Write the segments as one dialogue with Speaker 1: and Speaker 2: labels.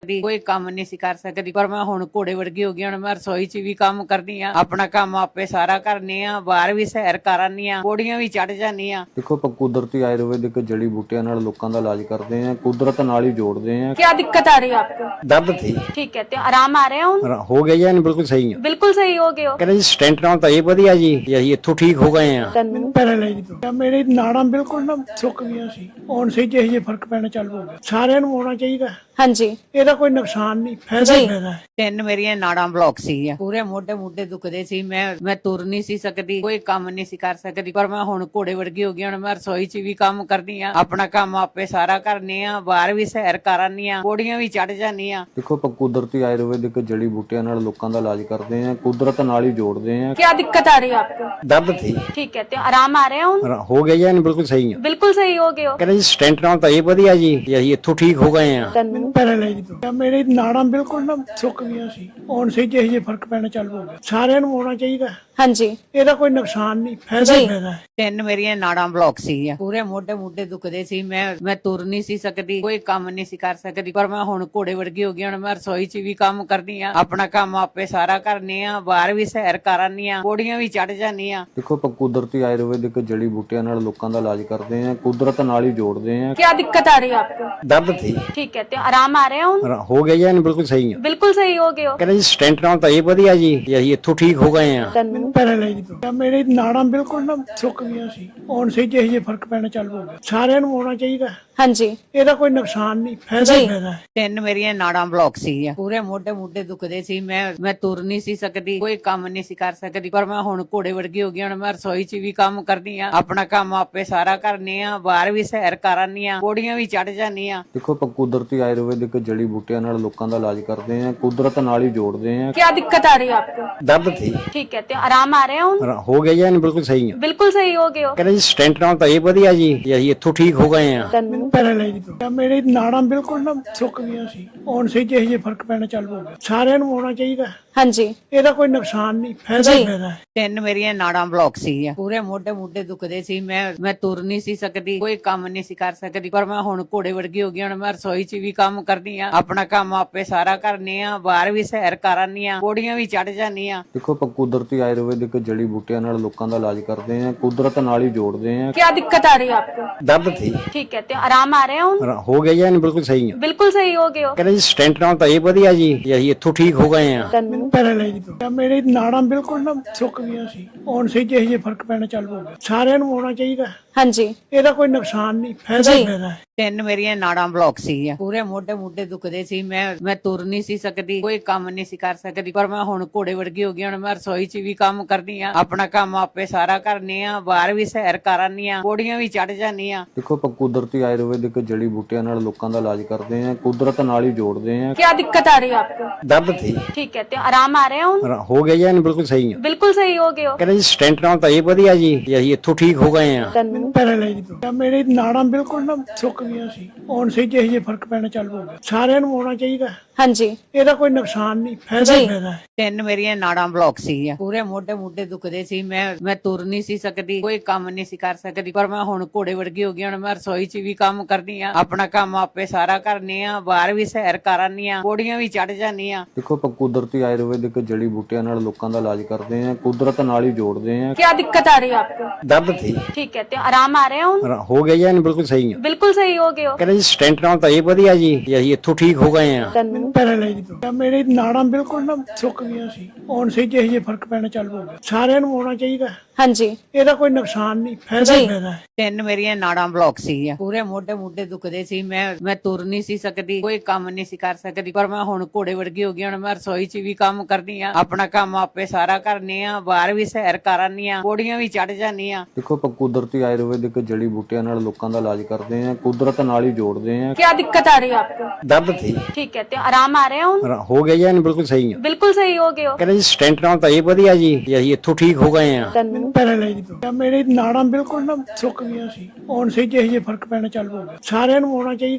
Speaker 1: ਕੋਈ ਕੰਮ ਨਹੀਂ ਸੀ ਕਰ ਸਕਦੀ, ਪਰ ਮੈਂ ਹੁਣ ਘੋੜੇ ਵਰਗੀ ਹੋ ਗਈ। ਹੁਣ ਮੈਂ ਰਸੋਈ 'ਚ ਵੀ ਕੰਮ ਕਰਦੀ ਆ, ਆਪਣਾ ਕੰਮ ਆਪੇ ਸਾਰਾ ਕਰਨੀ ਆ, ਬਾਹਰ ਵੀ ਸੈਰ ਕਰਨੀ ਆ, ਪੌੜੀਆਂ ਵੀ ਚੜ ਜਾਂਦੀ ਆ।
Speaker 2: ਦੇਖੋ ਆਪਾਂ ਕੁਦਰਤੀ ਆਯੁਰਵੈਦਿਕ ਜੜੀ ਬੂਟਿਆਂ ਨਾਲ ਲੋਕਾਂ ਦਾ ਇਲਾਜ ਕਰਦੇ ਆਂ, ਕੁਦਰਤ ਨਾਲ ਹੀ ਜੋੜਦੇ ਆਂ।
Speaker 3: क्या दिक्कत आ रही है आपको?
Speaker 4: दर्द थी
Speaker 3: ठीक है, तो आराम आ रहे हैं?
Speaker 4: हो गया जी, बिल्कुल सही है।
Speaker 3: बिल्कुल सही हो गए हो।
Speaker 4: ਕਹਿੰਦੇ ਜੀ ਸਟੈਂਟ ਨਾਲ ਤਾਂ ਇਹ ਵਧੀਆ ਜੀ, ਅਸੀਂ ਇੱਥੋਂ ਠੀਕ ਹੋ ਗਏ ਆ।
Speaker 5: ਮੈਨੂੰ ਪੈਰਾਲਾਈਜ਼ ਤੋਂ ਮੇਰੇ ਨਾੜਾਂ ਬਿਲਕੁਲ ਨਾ ਸੁੱਕ ਗਈਆਂ ਸੀ, ਹੁਣ ਸਹੀ ਜਿਹੇ ਫਰਕ ਪੈਣਾ ਚਾਲੂ ਹੋ ਗਿਆ। ਸਾਰਿਆਂ ਨੂੰ ਹੋਣਾ ਚਾਹੀਦਾ।
Speaker 3: हाँ जी,
Speaker 5: ਇਹਦਾ ਕੋਈ ਨੁਕਸਾਨ ਨਹੀਂ, ਫਾਇਦਾ ਹੀ ਫਾਇਦਾ ਹੈ।
Speaker 1: ਤਿੰਨ ਮੇਰੀਆਂ ਨਾੜਾਂ ਬਲੌਕ ਸੀਗੀਆਂ, ਪੂਰੇ ਮੋਢੇ ਦੁਖਦੇ ਸੀ। ਮੈਂ ਤੁਰ ਨਹੀਂ ਸੀ ਸਕਦੀ, ਕੋਈ ਕੰਮ ਨਹੀਂ ਸੀ ਕਰ ਸਕਦੀ, ਪਰ ਮੈਂ ਹੁਣ ਘੋੜੇ ਵਰਗੀ ਹੋ ਗਈ। ਹੁਣ ਮੈਂ ਰਸੋਈ 'ਚ ਵੀ ਕੰਮ ਕਰਦੀ ਆ, ਆਪਣਾ ਕੰਮ ਆਪੇ ਸਾਰਾ ਕਰਨੀ ਆ, ਬਾਹਰ ਵੀ ਸੈਰ ਕਰਨੀ ਆ, ਪੌੜੀਆਂ ਵੀ ਚੜ ਜਾਂਦੀ ਆ।
Speaker 2: ਦੇਖੋ ਆਪਾਂ ਕੁਦਰਤੀ ਆਯੁਰਵੈਦਿਕ ਜੜੀ ਬੂਟਿਆਂ ਨਾਲ ਲੋਕਾਂ ਦਾ ਇਲਾਜ ਕਰਦੇ ਆਂ, ਕੁਦਰਤ ਨਾਲ ਹੀ ਜੋੜਦੇ ਆਂ।
Speaker 3: क्या दिक्कत आ रही है आपको?
Speaker 4: ਦਰਦ थी
Speaker 3: ठीक है, तो आराम आ रहे हैं?
Speaker 4: ਹੋ ਗਿਆ ਜੀ, ਬਿल्कुल सही है।
Speaker 3: बिल्कुल सही हो गए हो।
Speaker 4: ਕਹਿੰਦੇ ਜੀ ਸਟੈਂਟ ਨਾਲ ਤਾਂ ਇਹ ਵਧੀਆ ਜੀ, ਅਸੀਂ ਇੱਥੋਂ ਠੀਕ ਹੋ ਗਏ ਆ।
Speaker 5: ਮੈਨੂੰ ਪੈਰਾਲਾਈਜ਼ ਤੋਂ ਮੇਰੇ ਨਾੜਾਂ ਬਿਲਕੁਲ ਨਾ ਸੁੱਕ ਗਈਆਂ ਸੀ, ਹੁਣ ਸਹੀ ਜਿਹੇ ਫਰਕ ਪੈਣਾ ਚਾਲੂ ਹੋ ਗਿਆ। ਸਾਰਿਆਂ ਨੂੰ ਹੋਣਾ ਚਾਹੀਦਾ।
Speaker 3: हाँ जी,
Speaker 5: ਇਹਦਾ ਕੋਈ ਨੁਕਸਾਨ ਨਹੀਂ, ਫਾਇਦਾ ਹੀ ਫਾਇਦਾ ਹੈ।
Speaker 1: ਤਿੰਨ ਮੇਰੀਆਂ ਨਾੜਾਂ ਬਲੌਕ ਸੀਗੀਆਂ, ਪੂਰੇ ਮੋਢੇ ਦੁਖਦੇ ਸੀ। ਮੈਂ ਤੁਰ ਨਹੀਂ ਸੀ ਸਕਦੀ, ਕੋਈ ਕੰਮ ਨਹੀਂ ਸੀ ਕਰ ਸਕਦੀ, ਪਰ ਮੈਂ ਹੁਣ ਘੋੜੇ ਵਰਗੀ ਹੋ ਗਈ। ਹੁਣ ਮੈਂ ਰਸੋਈ 'ਚ ਵੀ ਕੰਮ ਕਰਦੀ ਆ, ਆਪਣਾ ਕੰਮ ਆਪੇ ਸਾਰਾ ਕਰਨੀ ਆ, ਬਾਹਰ ਵੀ ਸੈਰ ਕਰਨੀ ਆ, ਪੌੜੀਆਂ ਵੀ ਚੜ ਜਾਂਦੀ ਆ।
Speaker 2: ਦੇਖੋ ਆਪਾਂ ਕੁਦਰਤੀ ਆਯੁਰਵੈਦਿਕ ਜੜੀ ਬੂਟਿਆਂ ਨਾਲ ਲੋਕਾਂ ਦਾ ਇਲਾਜ ਕਰਦੇ ਆਂ, ਕੁਦਰਤ ਨਾਲ ਹੀ ਜੋੜਦੇ ਆਂ।
Speaker 3: क्या दिक्कत आ रही है आपको?
Speaker 4: ਦਰਦ थी
Speaker 3: ठीक है, तो आराम आ रहे हैं?
Speaker 4: ਹੋ ਗਿਆ ਜੀ, ਬਿल्कुल सही है।
Speaker 3: बिल्कुल सही हो गए हो।
Speaker 4: ਕਹਿੰਦੇ ਜੀ ਸਟੈਂਟ ਨਾਲ ਤਾਂ ਇਹ ਵਧੀਆ ਜੀ, ਅਸੀਂ ਇੱਥੋਂ ਠੀਕ ਹੋ ਗਏ ਆ।
Speaker 5: ਮੈਨੂੰ ਪੈਰਾਲਾਈਜ਼ ਤੋਂ ਮੇਰੇ ਨਾੜਾਂ ਬਿਲਕੁਲ ਨਾ ਸੁੱਕ ਗਈਆਂ ਸੀ, ਹੁਣ ਸਹੀ ਜਿਹੇ ਫਰਕ ਪੈਣਾ ਚਾਲੂ ਹੋ ਗਿਆ। ਸਾਰਿਆਂ ਨੂੰ ਹੋਣਾ ਚਾਹੀਦਾ।
Speaker 3: हाँ जी,
Speaker 5: ਇਹਦਾ ਕੋਈ ਨੁਕਸਾਨ ਨਹੀਂ, ਫਾਇਦਾ ਹੀ ਫਾਇਦਾ ਹੈ।
Speaker 1: ਤਿੰਨ ਮੇਰੀਆਂ ਨਾੜਾਂ ਬਲੌਕ ਸੀਗੀਆਂ, ਪੂਰੇ ਮੋਢੇ ਦੁਖਦੇ ਸੀ। ਮੈਂ ਤੁਰ ਨਹੀਂ ਸੀ ਸਕਦੀ, ਕੋਈ ਕੰਮ ਨਹੀਂ ਸੀ ਕਰ ਸਕਦੀ, ਪਰ ਮੈਂ ਹੁਣ ਘੋੜੇ ਵਰਗੀ ਹੋ ਗਈ। ਹੁਣ ਮੈਂ ਰਸੋਈ 'ਚ ਵੀ ਕੰਮ ਕਰਦੀ ਆ, ਆਪਣਾ ਕੰਮ ਆਪੇ ਸਾਰਾ ਕਰਨੀ ਆ, ਬਾਹਰ ਵੀ ਸੈਰ ਕਰਨੀ ਆ, ਪੌੜੀਆਂ ਵੀ ਚੜ ਜਾਂਦੀ ਆ।
Speaker 2: ਦੇਖੋ ਆਪਾਂ ਕੁਦਰਤੀ ਆਯੁਰਵੈਦਿਕ ਜੜੀ ਬੂਟਿਆਂ ਨਾਲ ਲੋਕਾਂ ਦਾ ਇਲਾਜ ਕਰਦੇ ਆਂ, ਕੁਦਰਤ ਨਾਲ ਹੀ ਜੋੜਦੇ ਆਂ।
Speaker 3: क्या दिक्कत आ रही है आपको?
Speaker 4: ਦਰਦ थी
Speaker 3: ठीक है, तो आराम आ रहे हैं?
Speaker 4: ਹੋ ਗਿਆ ਜੀ, ਬਿल्कुल सही है।
Speaker 3: बिल्कुल सही हो गए हो।
Speaker 4: ਕਹਿੰਦੇ ਜੀ ਸਟੈਂਟ ਨਾਲ ਤਾਂ ਇਹ ਵਧੀਆ ਜੀ, ਅਸੀਂ ਇੱਥੋਂ ਠੀਕ ਹੋ ਗਏ ਆ।
Speaker 5: ਮੈਨੂੰ ਪੈਰਾਲਾਈਜ਼ ਤੋਂ ਮੇਰੇ ਨਾੜਾਂ ਬਿਲਕੁਲ ਨਾ ਸੁੱਕ ਗਈਆਂ ਸੀ, ਹੁਣ ਸਹੀ ਜਿਹੇ ਫਰਕ ਪੈਣਾ ਚਾਲੂ ਹੋ ਗਿਆ। ਸਾਰਿਆਂ ਨੂੰ ਹੋਣਾ ਚਾਹੀਦਾ।
Speaker 3: हाँ जी,
Speaker 5: ਇਹਦਾ ਕੋਈ ਨੁਕਸਾਨ ਨਹੀਂ, ਫਾਇਦਾ ਹੀ ਫਾਇਦਾ ਹੈ।
Speaker 1: ਤਿੰਨ ਮੇਰੀਆਂ ਨਾੜਾਂ ਬਲੌਕ ਸੀਗੀਆਂ, ਪੂਰੇ ਮੋਢੇ ਦੁਖਦੇ ਸੀ। ਮੈਂ ਤੁਰ ਨਹੀਂ ਸੀ ਸਕਦੀ, ਕੋਈ ਕੰਮ ਨਹੀਂ ਸੀ ਕਰ ਸਕਦੀ, ਪਰ ਮੈਂ ਹੁਣ ਘੋੜੇ ਵਰਗੀ ਹੋ ਗਈ। ਹੁਣ ਮੈਂ ਰਸੋਈ 'ਚ ਵੀ ਕੰਮ ਕਰਦੀ ਆ, ਆਪਣਾ ਕੰਮ ਆਪੇ ਸਾਰਾ ਕਰਨੀ ਆ, ਬਾਹਰ ਵੀ ਸੈਰ ਕਰਨੀ ਆ, ਪੌੜੀਆਂ ਵੀ ਚੜ ਜਾਂਦੀ ਆ।
Speaker 2: ਦੇਖੋ ਆਪਾਂ ਕੁਦਰਤੀ ਆਯੁਰਵੈਦਿਕ ਜੜੀ ਬੂਟਿਆਂ ਨਾਲ ਲੋਕਾਂ ਦਾ ਇਲਾਜ ਕਰਦੇ ਆਂ, ਕੁਦਰਤ ਨਾਲ ਹੀ ਜੋੜਦੇ ਆਂ।
Speaker 3: क्या दिक्कत आ रही है आपको?
Speaker 4: ਦਰਦ थी
Speaker 3: ठीक है, तो आराम आ रहे हैं?
Speaker 4: ਹੋ ਗਿਆ ਜੀ, ਬਿल्कुल सही है।
Speaker 3: बिल्कुल सही हो गए हो।
Speaker 4: ਕਹਿੰਦੇ ਜੀ ਸਟੈਂਟ ਨਾਲ ਤਾਂ ਇਹ ਵਧੀਆ ਜੀ, ਅਸੀਂ ਇੱਥੋਂ ਠੀਕ ਹੋ ਗਏ ਆ।
Speaker 5: ਮੈਨੂੰ ਪੈਰਾਲਾਈਜ਼ ਤੋਂ ਮੇਰੇ ਨਾੜਾਂ ਬਿਲਕੁਲ ਨਾ ਸੁੱਕ ਗਈਆਂ ਸੀ, ਹੁਣ ਸਹੀ ਜਿਹੇ ਫਰਕ ਪੈਣਾ ਚਾਲੂ ਹੋ ਗਿਆ। ਸਾਰਿਆਂ ਨੂੰ ਹੋਣਾ ਚਾਹੀਦਾ।
Speaker 3: हाँ जी,
Speaker 5: ਇਹਦਾ ਕੋਈ ਨੁਕਸਾਨ ਨਹੀਂ, ਫਾਇਦਾ ਹੀ ਫਾਇਦਾ ਹੈ।
Speaker 1: ਤਿੰਨ ਮੇਰੀਆਂ ਨਾੜਾਂ ਬਲੌਕ ਸੀਗੀਆਂ, ਪੂਰੇ ਮੋਢੇ ਦੁਖਦੇ ਸੀ। ਮੈਂ ਤੁਰ ਨਹੀਂ ਸੀ ਸਕਦੀ, ਕੋਈ ਕੰਮ ਨਹੀਂ ਸੀ ਕਰ ਸਕਦੀ, ਪਰ ਮੈਂ ਹੁਣ ਘੋੜੇ ਵਰਗੀ ਹੋ ਗਈ। ਹੁਣ ਮੈਂ ਰਸੋਈ 'ਚ ਵੀ ਕੰਮ ਕਰਦੀ ਆ, ਆਪਣਾ ਕੰਮ ਆਪੇ ਸਾਰਾ ਕਰਨੀ ਆ, ਬਾਹਰ ਵੀ ਸੈਰ ਕਰਨੀ ਆ, ਪੌੜੀਆਂ ਵੀ ਚੜ ਜਾਂਦੀ ਆ।
Speaker 2: ਦੇਖੋ ਆਪਾਂ ਕੁਦਰਤੀ ਆਯੁਰਵੈਦਿਕ ਜੜੀ ਬੂਟਿਆਂ ਨਾਲ ਲੋਕਾਂ ਦਾ ਇਲਾਜ ਕਰਦੇ ਆਂ, ਕੁਦਰਤ ਨਾਲ ਹੀ ਜੋੜਦੇ ਆਂ।
Speaker 3: क्या दिक्कत आ रही है आपको?
Speaker 4: ਦਰਦ थी
Speaker 3: ठीक है, तो आराम आ रहे हैं?
Speaker 4: ਹੋ ਗਿਆ ਜੀ, ਬਿल्कुल सही है।
Speaker 3: बिल्कुल सही हो गए हो।
Speaker 4: ਕਹਿੰਦੇ ਜੀ ਸਟੈਂਟ ਨਾਲ ਤਾਂ ਇਹ ਵਧੀਆ ਜੀ, ਅਸੀਂ ਇੱਥੋਂ ਠੀਕ ਹੋ ਗਏ ਆ।
Speaker 5: ਮੈਨੂੰ ਪੈਰਾਲਾਈਜ਼ ਤੋਂ ਮੇਰੇ ਨਾੜਾਂ ਬਿਲਕੁਲ ਨਾ ਸੁੱਕ ਗਈਆਂ ਸੀ, ਹੁਣ ਸਹੀ ਜਿਹੇ ਫਰਕ ਪੈਣਾ ਚਾਲੂ ਹੋ ਗਿਆ। ਸਾਰਿਆਂ ਨੂੰ ਹੋਣਾ ਚਾਹੀਦਾ।
Speaker 3: हाँ जी,
Speaker 5: ਇਹਦਾ ਕੋਈ ਨੁਕਸਾਨ ਨਹੀਂ, ਫਾਇਦਾ ਹੀ ਫਾਇਦਾ ਹੈ।
Speaker 1: ਤਿੰਨ ਮੇਰੀਆਂ ਨਾੜਾਂ ਬਲੌਕ ਸੀਗੀਆਂ, ਪੂਰੇ ਮੋਢੇ ਦੁਖਦੇ ਸੀ। ਮੈਂ ਤੁਰ ਨਹੀਂ ਸੀ ਸਕਦੀ, ਕੋਈ ਕੰਮ ਨਹੀਂ ਸੀ ਕਰ ਸਕਦੀ, ਪਰ ਮੈਂ ਹੁਣ ਘੋੜੇ ਵਰਗੀ ਹੋ ਗਈ। ਹੁਣ ਮੈਂ ਰਸੋਈ 'ਚ ਵੀ ਕੰਮ ਕਰਦੀ ਆ, ਆਪਣਾ ਕੰਮ ਆਪੇ ਸਾਰਾ ਕਰਨੀ ਆ, ਬਾਹਰ ਵੀ ਸੈਰ ਕਰਨੀ ਆ, ਪੌੜੀਆਂ ਵੀ ਚੜ ਜਾਂਦੀ ਆ।
Speaker 2: ਦੇਖੋ ਆਪਾਂ ਕੁਦਰਤੀ ਆਯੁਰਵੈਦਿਕ ਜੜੀ ਬੂਟਿਆਂ ਨਾਲ ਲੋਕਾਂ ਦਾ ਇਲਾਜ ਕਰਦੇ ਆਂ, ਕੁਦਰਤ ਨਾਲ ਹੀ ਜੋੜਦੇ ਆਂ।
Speaker 3: क्या दिक्कत आ रही है आपको?
Speaker 4: ਦਰਦ थी
Speaker 3: ठीक है, तो आराम आ रहे हैं?
Speaker 4: ਹੋ ਗਿਆ ਜੀ, ਬਿल्कुल सही है।
Speaker 3: बिल्कुल सही हो गए हो।
Speaker 4: ਕਹਿੰਦੇ ਜੀ ਸਟੈਂਟ ਨਾਲ ਤਾਂ ਇਹ ਵਧੀਆ ਜੀ, ਅਸੀਂ ਇੱਥੋਂ ਠੀਕ ਹੋ ਗਏ ਆ।
Speaker 5: ਮੈਨੂੰ ਪੈਰਾਲਾਈਜ਼ ਤੋਂ ਮੇਰੇ ਨਾੜਾਂ ਬਿਲਕੁਲ ਨਾ ਸੁੱਕ ਗਈਆਂ ਸੀ, ਹੁਣ ਸਹੀ ਜਿਹੇ ਫਰਕ ਪੈਣਾ ਚਾਲੂ ਹੋ ਗਿਆ। ਸਾਰਿਆਂ ਨੂੰ ਹੋਣਾ ਚਾਹੀਦਾ।
Speaker 3: हाँ जी,
Speaker 5: ਇਹਦਾ ਕੋਈ ਨੁਕਸਾਨ ਨਹੀਂ, ਫਾਇਦਾ ਹੀ ਫਾਇਦਾ ਹੈ।
Speaker 1: ਤਿੰਨ ਮੇਰੀਆਂ ਨਾੜਾਂ ਬਲੌਕ ਸੀਗੀਆਂ, ਪੂਰੇ ਮੋਢੇ ਦੁਖਦੇ ਸੀ। ਮੈਂ ਤੁਰ ਨਹੀਂ ਸੀ ਸਕਦੀ, ਕੋਈ ਕੰਮ ਨਹੀਂ ਸੀ ਕਰ ਸਕਦੀ, ਪਰ ਮੈਂ ਹੁਣ ਘੋੜੇ ਵਰਗੀ ਹੋ ਗਈ। ਹੁਣ ਮੈਂ ਰਸੋਈ 'ਚ ਵੀ ਕੰਮ ਕਰਦੀ ਆ, ਆਪਣਾ ਕੰਮ ਆਪੇ ਸਾਰਾ ਕਰਨੀ ਆ, ਬਾਹਰ ਵੀ ਸੈਰ ਕਰਨੀ ਆ, ਪੌੜੀਆਂ ਵੀ ਚੜ ਜਾਂਦੀ ਆ।
Speaker 2: ਦੇਖੋ ਆਪਾਂ ਕੁਦਰਤੀ ਆਯੁਰਵੈਦਿਕ ਜੜੀ ਬੂਟਿਆਂ ਨਾਲ ਲੋਕਾਂ ਦਾ ਇਲਾਜ ਕਰਦੇ ਆਂ, ਕੁਦਰਤ ਨਾਲ ਹੀ ਜੋੜਦੇ ਆਂ।
Speaker 3: क्या दिक्कत आ रही है आपको?
Speaker 4: ਦਰਦ थी
Speaker 3: ठीक है, तो आराम आ रहे हैं?
Speaker 4: ਹੋ ਗਿਆ ਜੀ, ਬਿल्कुल सही है।
Speaker 3: बिल्कुल सही हो गए हो।
Speaker 4: ਕਹਿੰਦੇ ਜੀ ਸਟੈਂਟ ਨਾਲ ਤਾਂ ਇਹ ਵਧੀਆ ਜੀ, ਅਸੀਂ ਇੱਥੋਂ ਠੀਕ ਹੋ ਗਏ ਆ।
Speaker 5: ਮੈਨੂੰ ਪੈਰਾਲਾਈਜ਼ ਤੋਂ ਮੇਰੇ ਨਾੜਾਂ ਬਿਲਕੁਲ ਨਾ ਸੁੱਕ ਗਈਆਂ ਸੀ, ਹੁਣ ਸਹੀ ਜਿਹੇ ਫਰਕ ਪੈਣਾ ਚਾਲੂ ਹੋ ਗਿਆ। ਸਾਰਿਆਂ ਨੂੰ ਹੋਣਾ ਚਾਹੀਦਾ।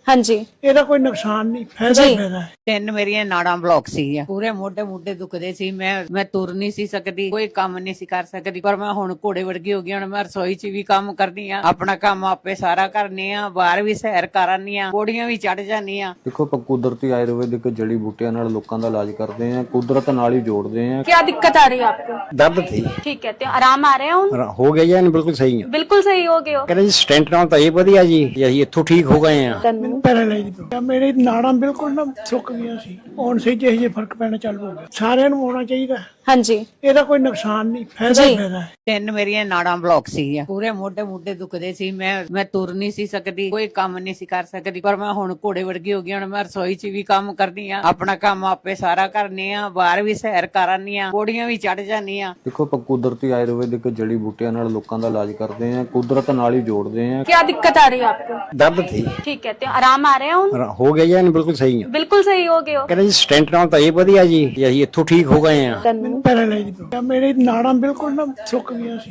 Speaker 3: हाँ जी
Speaker 5: ਇਹਦਾ ਕੋਈ ਨੁਕਸਾਨ ਨਹੀਂ, ਫਾਇਦਾ ਹੀ
Speaker 3: ਜੀ।
Speaker 5: ਫਾਇਦਾ ਹੈ।
Speaker 1: ਤਿੰਨ ਮੇਰੀਆਂ ਨਾੜਾਂ ਬਲੌਕ ਸੀਗੀਆਂ, ਪੂਰੇ ਮੋਢੇ ਮੁੱਢੇ ਦੁਖਦੇ ਸੀ। ਮੈਂ ਤੁਰ ਨਹੀਂ ਸੀ ਸਕਦੀ, ਕੋਈ ਕੰਮ ਨਹੀਂ ਸੀ ਕਰ ਸਕਦੀ। ਪਰ ਮੈਂ ਹੁਣ ਘੋੜੇ ਵਰਗੀ ਹੋ ਗਈ। ਹੁਣ ਮੈਂ ਰਸੋਈ 'ਚ ਵੀ ਕੰਮ ਕਰਦੀ ਆ, ਆਪਣਾ ਕੰਮ ਆਪੇ ਸਾਰਾ ਕਰਨੀ ਆ, ਬਾਹਰ ਵੀ ਸੈਰ ਕਰਨੀ ਆ, ਪੌੜੀਆਂ ਵੀ ਚੜ ਜਾਂਦੀ ਆ।
Speaker 2: ਦੇਖੋ ਆਪਾਂ ਕੁਦਰਤੀ ਆਯੁਰਵੈਦਿਕ ਜੜੀ ਬੂਟਿਆਂ ਨਾਲ ਲੋਕਾਂ ਦਾ ਇਲਾਜ ਕਰਦੇ ਆ, ਕੁਦਰਤ ਨਾਲ ਹੀ ਜੋੜਦੇ ਆ।
Speaker 3: क्या दिक्कत आ रही है आपको?
Speaker 4: दर्द थी
Speaker 3: ठीक है, तो आराम आ रहे हैं ਹੁਣ?
Speaker 4: हो गया जी बिल्कुल सही है।
Speaker 3: ਬਿਲਕੁਲ ਸਹੀ ਹੋ ਗਏ ਹੋ।
Speaker 4: ਕਹਿੰਦੇ ਜੀ ਸਟੈਂਟ ਨਾਲ ਤਾਂ ਇਹ ਵਧੀਆ ਜੀ ਅਸੀਂ ਇੱਥੋਂ ਠੀਕ ਹੋ ਗਏ ਆ।
Speaker 5: ਮੈਨੂੰ ਪੈਰਾਲਾਈਜ਼ ਦੀ ਪ੍ਰੋਬਲਮ, ਮੇਰੇ ਨਾੜਾਂ ਬਿਲਕੁਲ ਨਾ ਸੁੱਕ ਗਈਆਂ ਸੀ। ਹੁਣ ਸਹੀ ਜਿਹੇ ਫਰਕ ਪੈਣਾ ਚਾਲੂ ਹੋ ਗਿਆ। ਸਾਰਿਆਂ ਨੂੰ ਹੋਣਾ ਚਾਹੀਦਾ,
Speaker 3: ਹਾਂਜੀ
Speaker 5: ਇਹਦਾ ਕੋਈ ਨੁਕਸਾਨ ਨਹੀਂ, ਫਾਇਦਾ ਹੀ
Speaker 3: ਜੀ।
Speaker 5: ਫਾਇਦਾ ਹੈ।
Speaker 1: ਤਿੰਨ ਮੇਰੀਆਂ ਨਾੜਾਂ ਬਲੌਕ ਸੀਗੀਆਂ, ਪੂਰੇ ਮੋਢੇ ਮੁੱਢੇ ਦੁਖਦੇ ਸੀ। ਮੈਂ ਤੁਰ ਨਹੀਂ ਸੀ ਸਕਦੀ, ਕੋਈ ਕੰਮ ਨਹੀਂ ਸੀ ਕਰ ਸਕਦੀ। ਪਰ ਮੈਂ ਹੁਣ ਘੋੜੇ ਵਰਗੀ ਹੋ ਗਈ। ਹੁਣ ਮੈਂ ਰਸੋਈ 'ਚ ਵੀ ਕੰਮ ਕਰਦੀ ਆ, ਆਪਣਾ ਕੰਮ ਆਪੇ ਸਾਰਾ ਕਰਨੀ ਆ, ਬਾਹਰ ਵੀ ਸੈਰ ਕਰਨੀ ਆ, ਪੌੜੀਆਂ ਵੀ ਚੜ ਜਾਂਦੀ ਆ।
Speaker 2: ਦੇਖੋ ਆਪਾਂ ਕੁਦਰਤੀ ਆਯੁਰਵੈਦਿਕ ਜੜੀ ਬੂਟਿਆਂ ਨਾਲ ਲੋਕਾਂ ਦਾ ਇਲਾਜ ਕਰਦੇ ਆ, ਕੁਦਰਤ ਨਾਲ ਹੀ ਜੋੜਦੇ ਆ।
Speaker 3: क्या दिक्कत आ रही है आपको?
Speaker 4: ਦਰਦ थी
Speaker 3: ठीक है, तो आराम आ रहे हैं ਹੁਣ?
Speaker 4: ਹੋ ਗਿਆ ਜੀ ਬਿल्कुल ਸਹੀ ਹੈ।
Speaker 3: ਬਿਲਕੁਲ ਸਹੀ ਹੋ ਗਏ ਹੋ।
Speaker 4: ਕਹਿੰਦੇ ਜੀ ਸਟੈਂਟ ਨਾਲ ਤਾਂ ਇਹ ਵਧੀਆ ਜੀ ਅਸੀਂ ਇੱਥੋਂ ਠੀਕ ਹੋ ਗਏ ਆ।
Speaker 5: ਮੈਨੂੰ ਪੈਰਾਲਾਈਜ਼ ਦੀ ਪ੍ਰੋਬਲਮ, ਮੇਰੇ ਨਾੜਾਂ ਬਿਲਕੁਲ ਨਾ ਸੁੱਕ ਗਈਆਂ ਸੀ।